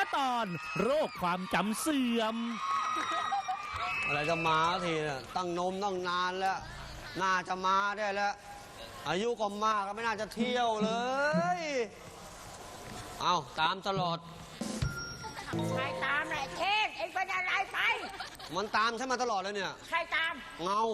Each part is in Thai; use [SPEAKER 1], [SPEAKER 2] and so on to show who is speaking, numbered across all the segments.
[SPEAKER 1] ตอนโรคความจำเสื่อม
[SPEAKER 2] อะไรจะมาทีเนี่ยตั้งนมตั้งนานแล้วน่าจะมาได้แล้วอายุก็มากก็ไม่น่าจะเที่ยวเลยเอาตามตลอด
[SPEAKER 3] ใครตามแหละเท่งเอ็งเป็นอะไรไป
[SPEAKER 2] มันตามฉันมาตลอดเลยเนี่ย
[SPEAKER 3] ใครตาม
[SPEAKER 2] เงา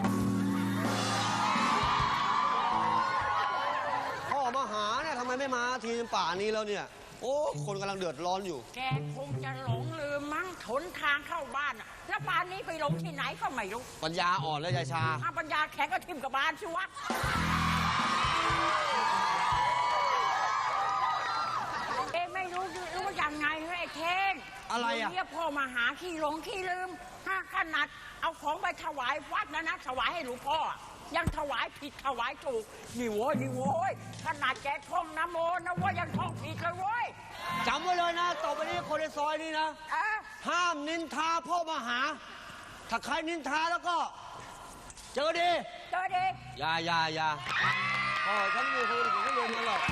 [SPEAKER 2] พ่อมาหาเนี่ยทำไมไม่มาทีป่านี้แล้วเนี่ยโอ้คนกำลังเดือดร้อนอยู่
[SPEAKER 3] แกคงจะหลงลืมมั้งหนทางเข้าบ้านอะแล้วป่านนี้ไปหลงที่ไหนก็ไม่รู้
[SPEAKER 2] ปัญญาอ่อนแล้วยายชา
[SPEAKER 3] ถ้าปัญญาแข็งก็ทิ่มกับบ้านสิวะเอ็งไม่รู้ยังไงเฮ้ยเท่ง
[SPEAKER 2] อะไรอะ
[SPEAKER 3] เนี่ยพ่อมาหาขี้หลงขี้ลืมถ้าขนาดเอาของไปถวายวัดนะถวายให้หลวงพ่อยังถวายผิดถวายถูกนี่โว้ยขนาดแกท่องนะโมนะว่ายังท่องผิดเลยโว้ย
[SPEAKER 2] จำไว้เลยนะต่อไปนี้คนในซอยนี้นะห้ามนินทาพ่อมาหาถ้าใครนินทาแล้วก็เจอดีอย่าพ่อฉันมีคนอื่นไม่รวมกันหรอก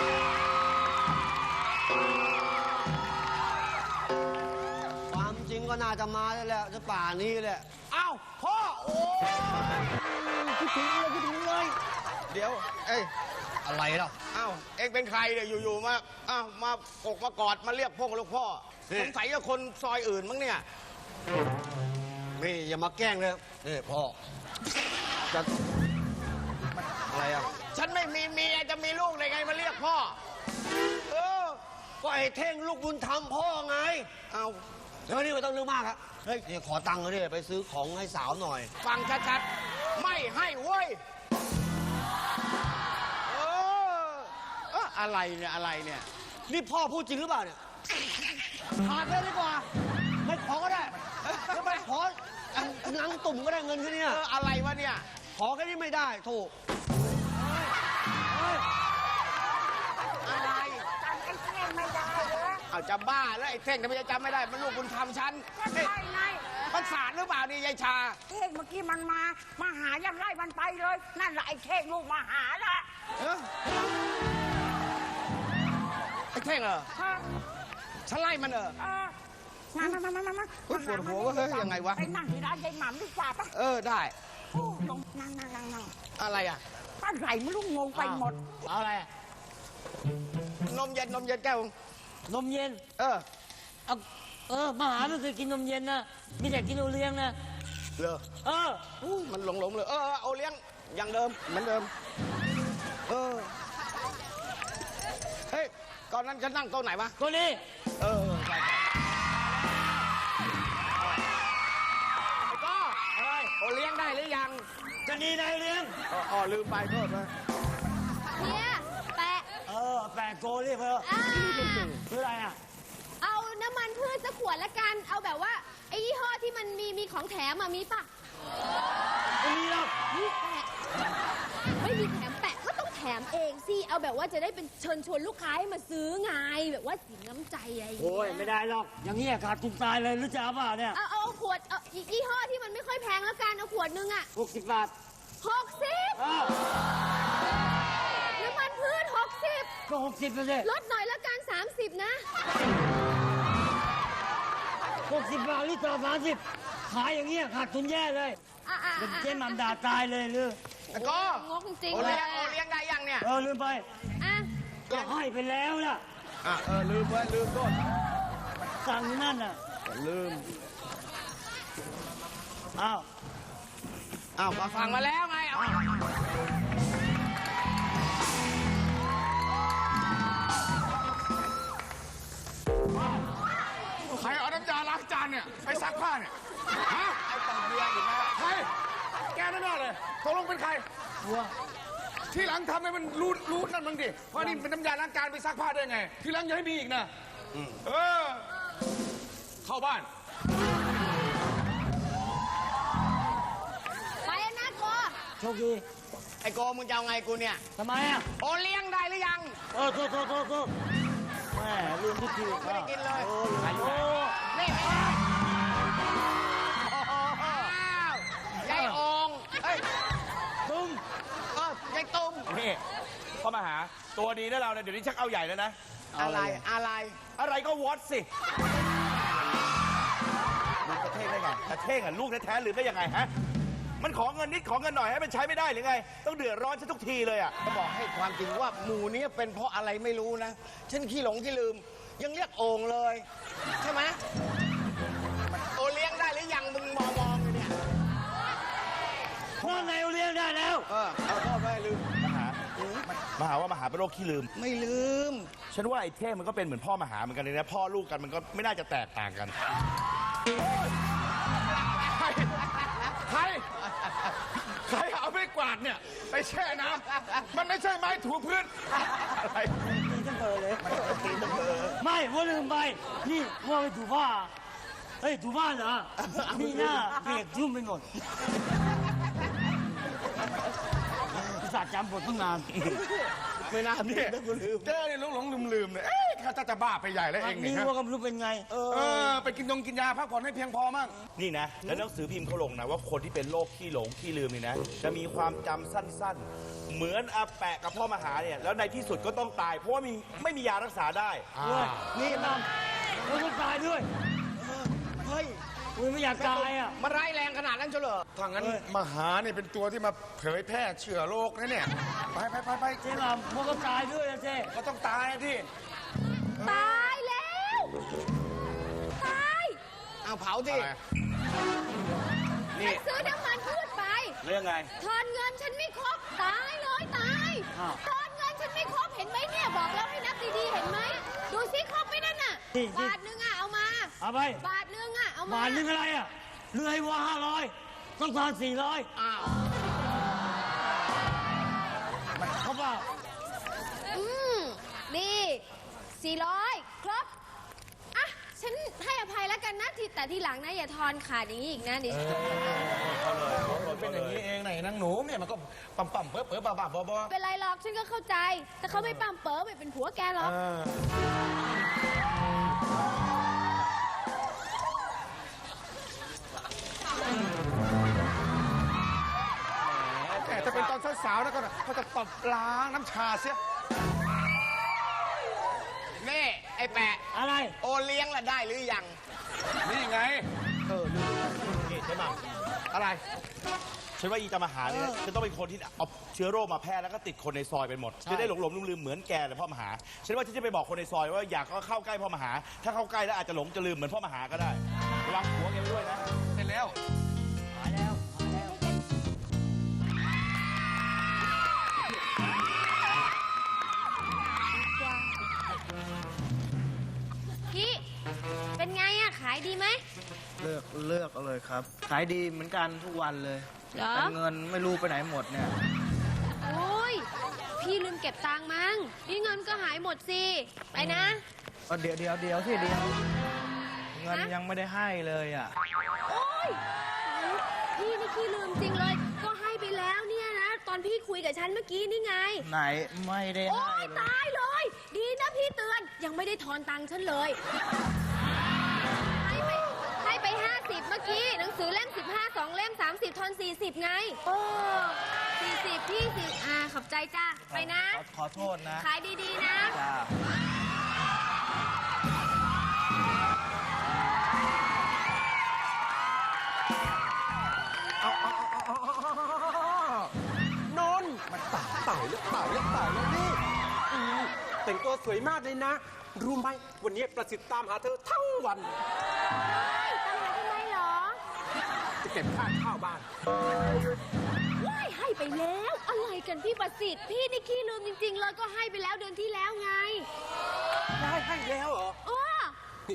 [SPEAKER 2] ความจริงก็น่าจะมาได้แล้วจะป่านี้แหละอ้าวพ่อโอ้คิดถึงเลย
[SPEAKER 4] เดี๋ยวเอ้ย
[SPEAKER 2] อะไรล่ะ
[SPEAKER 4] อ้าวเอ็งเป็นใครเนี่ยอยู่ๆมาอ้าวมากมากอดมาเรียกพ่อลูกพ่อสงสัยจะคนซอยอื่นมั้งเนี่ย
[SPEAKER 2] นี่อย่ามาแกล้งเลยนี่พ่อจะอะไรอ่ะ
[SPEAKER 4] ฉันไม่มีเมียจะมีลูกได้ไงมาเรียกพ่อ
[SPEAKER 2] ก็ไอ้เท่งลูกบุญธรรมพ่อไง
[SPEAKER 4] เอา
[SPEAKER 2] เดี๋ยวนี้ไม่ต้องเรื่องมากครับเฮ้ยนี่ขอตังค์เขาดิไปซื้อของให้สาวหน่อย
[SPEAKER 4] ฟังชัดๆไม่ให้เว้ยอะไรเนี่ย
[SPEAKER 2] นี่พ่อพูดจริงหรือเปล่าเนี่ยขาดเลยดีกว่าไม่ขอก็ได้จะไปขอนังตุ่มก็ได้เงินแค่นี้
[SPEAKER 4] อะไรวะเนี่ย
[SPEAKER 2] ขอแค่นี้ไม่ได้ถูก
[SPEAKER 3] อะไรจำไอ้เท่งไม่ได้เหรอ
[SPEAKER 4] เอาจะบ้าแล้วไอ้เท่งทำไมจะจำไม่ได้มันลูกบุญธรรมฉัน
[SPEAKER 3] ก็ใช่ไง
[SPEAKER 4] มันสารหรือเปล่านี่ยายชา
[SPEAKER 3] เท่งเมื่อกี้มันมาหายังไล่มันไปเลยนั่นแหละไอ้เท่งลูกมาหาละ
[SPEAKER 4] ไอ้เท่งเหรอฉันไล่มันเหรอ
[SPEAKER 3] มา
[SPEAKER 4] ปวดหัวว่าเฮ้ยยังไงวะ
[SPEAKER 3] ไปนั่งที่ร้านยายหม่ำดีกว่าปะ
[SPEAKER 4] ได้
[SPEAKER 3] ลงนั่ง
[SPEAKER 4] อะไรอ่ะ
[SPEAKER 3] อะไรไม่รู้งงไปหมด
[SPEAKER 4] เอาอะไรนมเย็นแก้วน
[SPEAKER 5] มเย็นมาหาไม่เคยกินนมเย็นนะมีแต่กินโอเลี้ยงนะ
[SPEAKER 4] เหรอมันหลงเลยโอเลี้ยงอย่างเดิมเหมือนเดิมเฮ้ยก่อนนั้นฉันนั่งโต๊ะไหนวะ
[SPEAKER 5] โต๊ะนี้
[SPEAKER 4] ใช่ไอ้ก้ออะไรโอเลี้ยงได้หรือยัง
[SPEAKER 5] จะนีได้เลี้ยง
[SPEAKER 4] ลืมไปโทษนะ
[SPEAKER 6] เนี่ยแปะ
[SPEAKER 5] แปะโกเรียกเพื่ออะไรอ่ะ
[SPEAKER 6] เอาน้ำมันพืชสักขวดละกันเอาแบบว่าไอ้ยี่ห้อที่มันมีของแถมมีปะ
[SPEAKER 5] ไม่มีหรอก
[SPEAKER 6] นี่แปะไม่มีแถมแปะก็ต้องแถมเองสิเอาแบบว่าจะได้เป็นเชิญชวนลูกค้าให้มาซื้อไงแบบว่าสินน้ำใจอะไรอย่างเงี้ย
[SPEAKER 5] โอ้ยไม่ได้หรอกอย่างนี้ขาดทุนตายเลยหรือจะเอาเปล่าเนี่ย
[SPEAKER 6] เอาขวดยี่ห้อที่มันไม่ค่อยแพงแล้วกันเอาขวดนึงอ่ะ
[SPEAKER 5] 60 บาท
[SPEAKER 6] 60น้ำมันพืช60
[SPEAKER 5] ก็60เลย
[SPEAKER 6] ลดหน่อยละกัน30นะ
[SPEAKER 5] 60 บาทลิตร30ขายอย่างเงี้ยขาดทุนแย่เลยเป็นเจ๊หม่ำด่าตายเลยหรือ
[SPEAKER 4] ก็
[SPEAKER 6] งกจริง
[SPEAKER 4] โอเลี้ยงได้ยังเนี่ย
[SPEAKER 5] ลืมไปก็ให้ไปแล้วล่ะ
[SPEAKER 4] ลืมโทษ
[SPEAKER 5] สั่งนั่นน่ะ
[SPEAKER 4] ลืม
[SPEAKER 5] อ้าว
[SPEAKER 4] มาฟังมาแล้วไงใครเอาน้ำยาล้างจานเนี่ยไปซักผ้าเนี่ยฮะไอ้ตังเบียร์อยู่นะใครแกนั่นเลยตกลงเป็นใครที่หลังทำให้มันรู้นั่นมึงดิเพราะนี่เป็นน้ำยาล้างจานไปซักผ้าได้ไงที่หลังอย่าให้มีอีกนะเข้าบ้าน
[SPEAKER 6] ไปนะโก
[SPEAKER 5] โชคดี
[SPEAKER 4] ไอ้โกมึงจะเอาไงกูเนี่ย
[SPEAKER 5] ทำไมอ่ะ
[SPEAKER 4] โอเลี้ยงได้หรือยัง
[SPEAKER 5] โทษแม่ลืมทุกที
[SPEAKER 4] ไม่ได้กินเลยนี่ยายอง
[SPEAKER 5] ตุ้ม
[SPEAKER 4] ยายตุ้ม
[SPEAKER 7] นี่เข้ามาหาตัวดีนะเราเนี่ยเดี๋ยวนี้ชักเอาใหญ่แล้วนะอะไรก็วอตสิลูกกระเท่งได้ไงกระเท่งอ่ะลูกแท้ๆหรือไม่ยังไงฮะมันขอเงินนิดขอเงินหน่อยให้มันใช้ไม่ได้หรือไงต้องเดือดร้อนฉันทุกทีเลยอ่ะ
[SPEAKER 2] จะบอกให้ความจริงว่าหมู่นี้เป็นเพราะอะไรไม่รู้นะ ฉันขี้หลงขี้ลืม ยังเรียกโอ่งเลย ใช่ไหมโอเลี้ยงได้หรือยังมึงมองอยู่เนี่ย
[SPEAKER 5] ว่าไงเลี้ยงได้แล้ว
[SPEAKER 2] เอาพ่อไปลืม
[SPEAKER 7] มหาว่ามหาเป็นโรคขี้ลืม
[SPEAKER 2] ไม่ลืม
[SPEAKER 7] ฉันว่าไอ้เท่งมันก็เป็นเหมือนพ่อมหาเหมือนกันเลยนะพ่อลูกกันมันก็ไม่น่าจะแตกต่างกัน
[SPEAKER 4] ใครเอาไม้กวาดเนี่ยไปแช่น้ำมันไม่ใช่ไม้ถูพื้นอะไร
[SPEAKER 5] ไม่ว่าลืมไป นี่ว่าไปถูผ้าเฮ้ยถูบ้านเหรอนี่หน้าเปียกชุ่มไปหมดศาสตร์จำบทตั้งนาน
[SPEAKER 2] ไม่น่า
[SPEAKER 4] เนี่ยเจ้เนี่ยหลงลืมเนี่ยเอ๊ะข้าจะบ้าไปใหญ่แล้วเอง
[SPEAKER 5] นี่
[SPEAKER 4] เนี่ย
[SPEAKER 5] ว่าก็ไม่รู้เป็นไง
[SPEAKER 4] ไปกินกินยาพักผ่อนให้เพียงพอมั่ง
[SPEAKER 7] นี่นะแล้วหนังสือพิมพ์เขาลงนะว่าคนที่เป็นโรคขี้หลงขี้ลืมนี่นะจะมีความจำสั้นๆ เหมือนอาแปะกับพ่อมหาเนี่ยแล้วในที่สุดก็ต้องตาย เพราะว่าไม่มียารักษาได้
[SPEAKER 5] ด้วยนี่นำแล้วก็ตายด้วย
[SPEAKER 2] เฮ้ย
[SPEAKER 5] อุ้ยไม่อยากตายอ่ะ
[SPEAKER 2] มาร้ายแรงขนาดนั้นเฉลอ
[SPEAKER 4] ถ้างั้นมหาเนี่ยเป็นตัวที่มาเผยแพร่เชื้อโรคนะเนี่ยไป
[SPEAKER 5] เจ๊ลำมันก็ตายด้วยนะเจ๊
[SPEAKER 4] ก็ต้องตายที่
[SPEAKER 6] ตายแล้ว ตาย
[SPEAKER 2] เอาเผาสิ
[SPEAKER 6] ฉันซื้อน้ำมันพืชไป
[SPEAKER 7] เรื่องไง
[SPEAKER 6] ทอนเงินฉันไม่ครบ ตายเลยตายทอนเงินฉันไม่ครบ เห็นไหมเนี่ย บอกแล้วให้นับดีๆ เห็นไหม ดูซิครบไหมนั่นน่ะ บาทนึงอ่ะ เอามา
[SPEAKER 5] เอาไป
[SPEAKER 6] บาทนึงอ่ะ เอามา
[SPEAKER 5] บาทนึงอะไรอ่ะเรือให้ว่า500ต้องทอน400
[SPEAKER 2] อ้าว
[SPEAKER 5] เขาเปล่า
[SPEAKER 6] นี่400 ครบ อ่ะ ฉันให้อภัยแล้วกันนะแต่ทีหลังนะอย่าทอนขาดอย่างนี้อีกนะดิ
[SPEAKER 4] เป็นอย่างนี้เองไหนนางหนูเนี่ยมันก็ปั๊มเป๋อบ้าบอ
[SPEAKER 6] เป็นไรหรอก ฉันก็เข้าใจ แต่เขาไม่ปั้มเป๋อไม่เป็นผัวแกหรอก
[SPEAKER 4] แต่ถ้าเป็นตอนสาวๆแล้วก็เขาจะตบล้างน้ำชาเสีย
[SPEAKER 2] นี่ ไอ้แปะ
[SPEAKER 5] อะไร
[SPEAKER 2] โอเลี้ยงละได้หรือยัง
[SPEAKER 4] นี่ไง
[SPEAKER 7] นี่ใช่ไหม
[SPEAKER 4] อะไร
[SPEAKER 7] ฉันว่าอีตามหาเนี่ยจะต้องเป็นคนที่เอาเชื้อโรคมาแพร่แล้วก็ติดคนในซอยไปหมดจะได้หลงลืมเหมือนแกเลยพ่อมหาฉันว่าฉันจะไปบอกคนในซอยว่าอยากเข้าใกล้พ่อมหา ถ้าเข้าใกล้แล้วอาจจะหลงจะลืมเหมือนพ่อมหาก็ได้ระวังหัวแกไว้ด้วยนะ
[SPEAKER 4] เสร็จแล้ว
[SPEAKER 6] พี่เป็นไงอะขายดีไหม
[SPEAKER 8] เลือกเอาเลยครับ ขายดีเหมือนกันทุกวันเลย
[SPEAKER 6] เหรอ
[SPEAKER 8] แต่เงินไม่รู้ไปไหนหมดเนี่ย
[SPEAKER 6] โอ้ย พี่ลืมเก็บตังค์มั้งนี่เงินก็หายหมดสิ ไปนะ
[SPEAKER 8] เดี๋ยวที่เดียว เงินยังไม่ได้ให้เลยอ่ะ
[SPEAKER 6] โอ้ยพี่นี่ขี้ลืมจริงเลย ก็ให้ไปแล้วเนี่ยนะ ตอนพี่คุยกับฉันเมื่อกี้นี่ไง
[SPEAKER 8] ไหนไม่ได้
[SPEAKER 6] โอ้
[SPEAKER 8] ให้
[SPEAKER 6] ย
[SPEAKER 8] เลย
[SPEAKER 6] ตายเลย ดีนะพี่เตือน ยังไม่ได้ทอนตังค์ฉันเลย ให้ไป50เมื่อกี้ หนังสือเล่ม15 2เล่ม30ทอน40ไง โอ้40พี่ขอบใจจ้าไปนะ
[SPEAKER 8] ขอโทษนะ
[SPEAKER 6] ขายดีๆนะ
[SPEAKER 8] จ้า
[SPEAKER 9] นนท์มันตายแล้วนี่แต่งตัวสวยมากเลยนะ รู้ไหมวันนี้ประสิทธิ์ตามหาเธอทั้งวัน
[SPEAKER 6] ตามหาทำไมเหรอ
[SPEAKER 9] จะเก็บค่าเช่าบ้าน
[SPEAKER 6] ว้ายให้ไปแล้ว อะไรกันพี่ประสิทธิ์ พี่นี่ขี้ลืมจริง ๆ เลยก็ให้ไปแล้วเดือนที่แล้วไง
[SPEAKER 9] ได้ให้แล้วเหรอ
[SPEAKER 6] อ้อ
[SPEAKER 9] นี่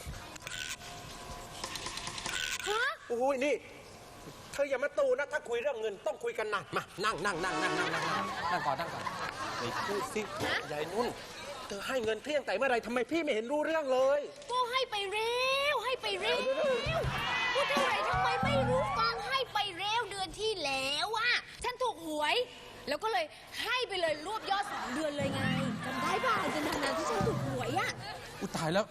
[SPEAKER 6] ฮะ
[SPEAKER 9] โอ้ยนี่ เธออย่ามาตูนะ ถ้าคุยเรื่องเงินต้องคุยกันหนักมานั่งก่อนไปพูดสิยายนุ่น เธอให้เงินเที่ยงแต่เมื่อไรทำไมพี่ไม่เห็นรู้เรื่องเลย
[SPEAKER 6] ก็ให้ไปเร็ว ให้ไปเร็วพูดเท่าไหร่ทำไมไม่รู้ฟังให้ไปเร็วเดือนที่แล้วอะฉันถูกหวย แล้วก็เลยให้ไปเลยรวบยอด2 เดือนเลยไงจำได้ป่ะจนนานๆที่ฉันถูกหวยอะ
[SPEAKER 9] อุยตายแล้ว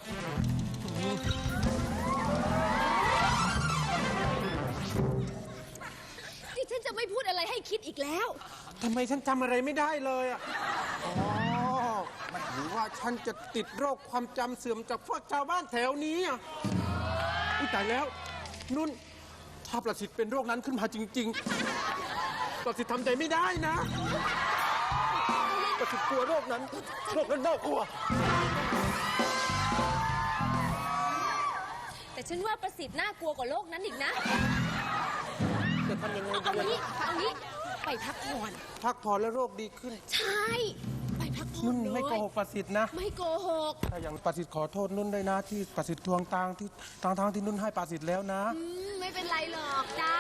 [SPEAKER 6] ที่ฉันจะไม่พูดอะไรให้คิดอีกแล้ว
[SPEAKER 9] ทำไมฉันจำอะไรไม่ได้เลยอ่ะ
[SPEAKER 4] อ๋อ มัน
[SPEAKER 9] รือว่าฉันจะติดโรคความจำเสื่อมจากพวกชาวบ้านแถวนี้อ่ะอุ๊ยตายแล้ว นุ่น ถ้าประสิทธิ์เป็นโรคนั้นขึ้นมาจริง ๆ ประสิทธิ์ทำใจไม่ได้นะ ประสิทธิ์กลัวโรคนั้นน่ากลัว
[SPEAKER 6] แต่ฉันว่าประสิทธิ์น่ากลัวกว่าโลกนั้นอีกนะ
[SPEAKER 9] จะทำยังไง
[SPEAKER 6] เอา
[SPEAKER 9] ดี
[SPEAKER 6] งี้ไปพักผ่อน
[SPEAKER 9] พักผ่อนแล้วโรคดีขึ้น
[SPEAKER 6] ใช่ ไปพักผ่อน
[SPEAKER 9] นุ่น
[SPEAKER 6] เลย
[SPEAKER 9] ไม่โกหกประสิทธิ์นะ
[SPEAKER 6] ไม่โกหก
[SPEAKER 9] ถ้าอย่างประสิทธิ์ขอโทษนุ่นด้วยนะ ที่ประสิทธิ์ทวงตังค์ที่ทางที่นุ่นให้ประสิทธิ์แล้วนะ
[SPEAKER 6] ไม่เป็นไรหรอกจ้า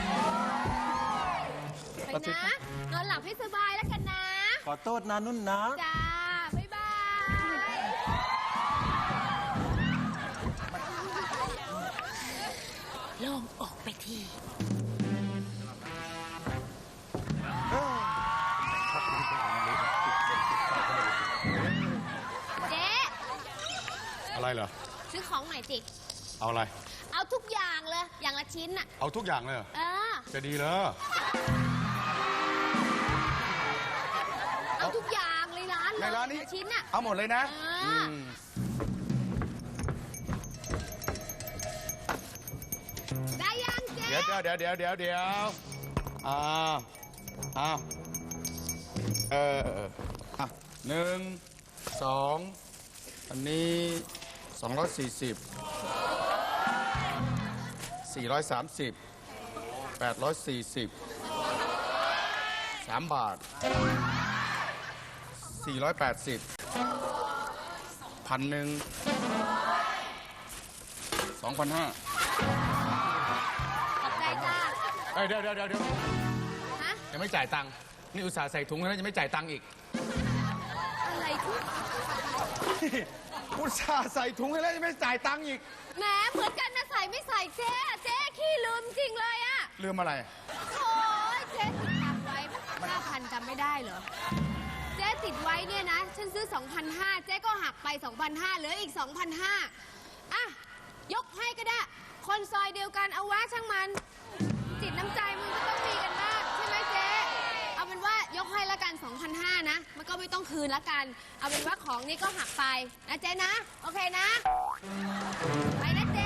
[SPEAKER 6] ไป
[SPEAKER 9] ประสิทธิ์
[SPEAKER 6] นะ นอนหลับให้สบายแล้วกันนะ
[SPEAKER 9] ขอโทษนะนุ่นนะ
[SPEAKER 6] จ้า บ๊ายบายลองออกไปที เจ๊
[SPEAKER 4] อะไรเหรอ
[SPEAKER 6] ซื้อของหน่อยสิ
[SPEAKER 4] เอาอะไร
[SPEAKER 6] เอาทุกอย่างเลย อย่างละชิ้นน่ะ
[SPEAKER 4] เอาทุกอย่างเลยเหรอ
[SPEAKER 6] เออ
[SPEAKER 4] จะดีเหรอ
[SPEAKER 6] เอาทุกอย่างเลยร้านเลย
[SPEAKER 4] ในร้านนี้
[SPEAKER 6] ละชิ้นน่ะ
[SPEAKER 4] เอาหมดเลยนะ
[SPEAKER 6] เอออื
[SPEAKER 4] ม
[SPEAKER 6] ได้ยังเจ๊
[SPEAKER 4] เดี๋ยวอ่าอ่ะ1 2 อันนี้240 430 840 3 บาท 480 1,000 2,500
[SPEAKER 6] ขอบใจจ้า
[SPEAKER 4] เอ้ยเดี๋ยว
[SPEAKER 6] ฮะ
[SPEAKER 4] ยังไม่จ่ายตังค์นี่อุตส่าห์ใส่ถุงแล้วยังไม่จ่ายตังค์อีก
[SPEAKER 6] อะไรทุก
[SPEAKER 4] อุตส่าห์ใส่ถุงให้แล้วยังไม่จ่ายตังค์อีก
[SPEAKER 6] แหมเหมือนกันนะใส่ไม่ใส่เจ๊เจ๊ขี้ลืมจริงเลยอะ
[SPEAKER 4] ลืมอะไร
[SPEAKER 6] โอ้ยเจ๊ติดตังค์ไว้5,000จำไม่ได้เหรอ เจ๊ติดไว้เนี่ยนะ ฉันซื้อ 2,500 เจ๊ก็หักไป 2,500 เหลืออีก 2,500อ่ะ ยกให้ก็ได้ คนซอยเดียวกันเอาวะช่างมัน จิตน้ำใจมันก็ต้องมีกันบ้างใช่ไหมเจ๊ เอาเป็นว่ายกให้ละกัน 2,500 นะ มันก็ไม่ต้องคืนละกัน เอาเป็นว่าของนี้ก็หักไปนะเจ๊นะ โอเคนะ ไปนะเจ๊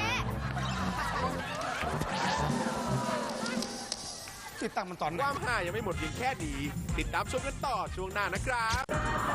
[SPEAKER 4] ติดตังค์มันตอนไหน
[SPEAKER 10] ความห่ายังไม่หมดเพียงแค่นี้ ติดตามชมกันต่อช่วงหน้านะครับ